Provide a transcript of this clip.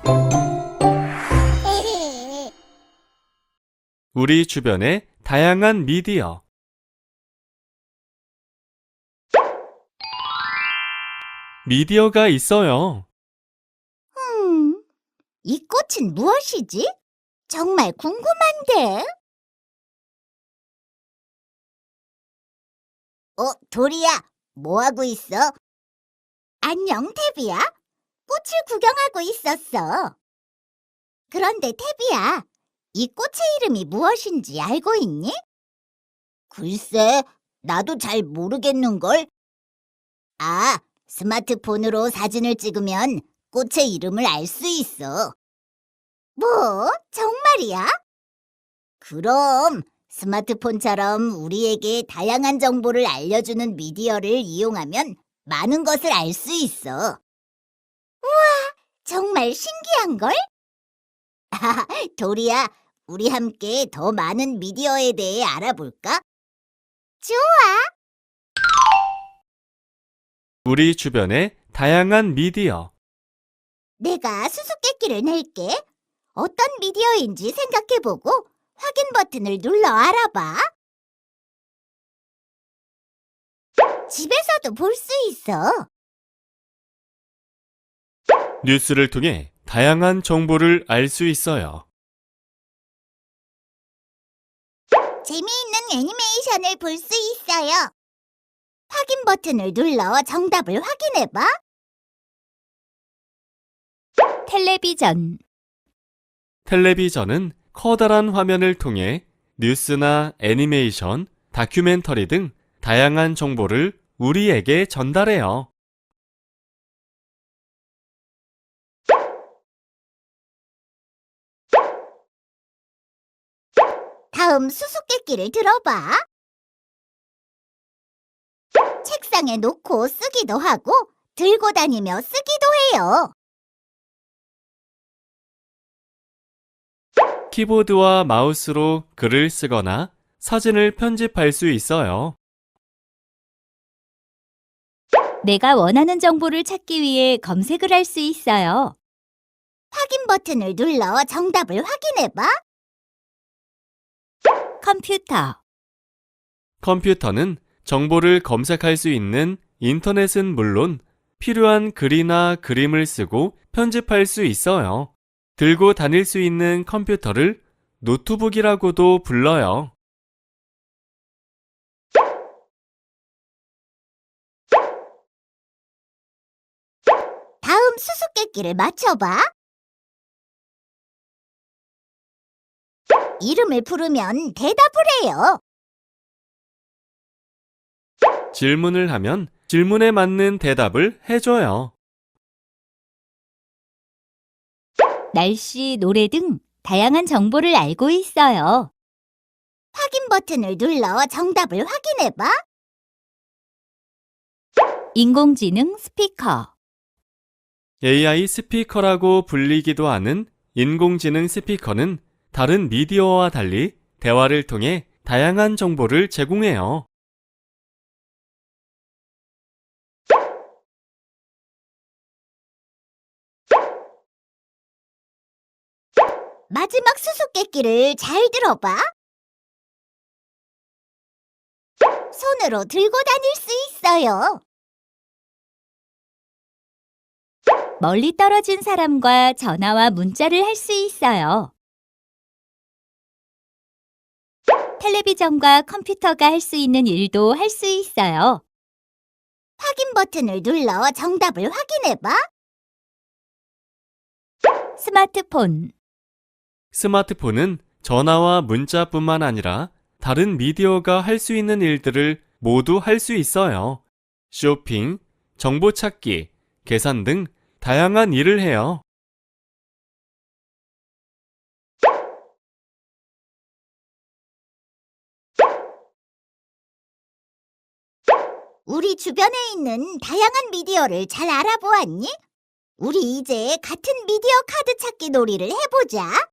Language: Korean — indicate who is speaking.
Speaker 1: 우리 주변의 다양한 미디어. 미디어가 있어요.
Speaker 2: 이 꽃은 무엇이지? 정말 궁금한데. 도리야, 뭐 하고 있어? 안녕, 태비야. 꽃을 구경하고 있었어. 그런데 태비야, 이 꽃의 이름이 무엇인지 알고 있니? 글쎄, 나도 잘 모르겠는걸. 아, 스마트폰으로 사진을 찍으면 꽃의 이름을 알 수 있어. 뭐? 정말이야? 그럼 스마트폰처럼 우리에게 다양한 정보를 알려주는 미디어를 이용하면 많은 것을 알 수 있어. 정말 신기한걸? 도리야, 우리 함께 더 많은 미디어에 대해 알아볼까? 좋아.
Speaker 1: 우리 주변의 다양한 미디어.
Speaker 2: 내가 수수께끼를 낼게. 어떤 미디어인지 생각해보고 확인 버튼을 눌러 알아봐. 집에서도 볼 수 있어.
Speaker 1: 뉴스를 통해 다양한 정보를 알 수 있어요.
Speaker 2: 재미있는 애니메이션을 볼 수 있어요. 확인 버튼을 눌러 정답을 확인해봐. 텔레비전.
Speaker 1: 텔레비전은 커다란 화면을 통해 뉴스나 애니메이션, 다큐멘터리 등 다양한 정보를 우리에게 전달해요.
Speaker 2: 다음 수수께끼를 들어봐. 책상에 놓고 쓰기도 하고 들고 다니며 쓰기도 해요.
Speaker 1: 키보드와 마우스로 글을 쓰거나 사진을 편집할 수 있어요.
Speaker 2: 내가 원하는 정보를 찾기 위해 검색을 할 수 있어요. 확인 버튼을 눌러 정답을 확인해봐. 컴퓨터.
Speaker 1: 컴퓨터는 정보를 검색할 수 있는 인터넷은 물론 필요한 글이나 그림을 쓰고 편집할 수 있어요. 들고 다닐 수 있는 컴퓨터를 노트북이라고도 불러요.
Speaker 2: 다음 수수께끼를 맞춰봐. 이름을 부르면 대답을 해요.
Speaker 1: 질문을 하면 질문에 맞는 대답을 해줘요.
Speaker 2: 날씨, 노래 등 다양한 정보를 알고 있어요. 확인 버튼을 눌러 정답을 확인해봐. 인공지능 스피커.
Speaker 1: AI 스피커라고 불리기도 하는 인공지능 스피커는 다른 미디어와 달리 대화를 통해 다양한 정보를 제공해요.
Speaker 2: 마지막 수수께끼를 잘 들어봐. 손으로 들고 다닐 수 있어요. 멀리 떨어진 사람과 전화와 문자를 할 수 있어요. 텔레비전과 컴퓨터가 할 수 있는 일도 할 수 있어요. 확인 버튼을 눌러 정답을 확인해봐. 스마트폰.
Speaker 1: 스마트폰은 전화와 문자뿐만 아니라 다른 미디어가 할 수 있는 일들을 모두 할 수 있어요. 쇼핑, 정보 찾기, 계산 등 다양한 일을 해요.
Speaker 2: 우리 주변에 있는 다양한 미디어를 잘 알아보았니? 우리 이제 같은 미디어 카드 찾기 놀이를 해보자.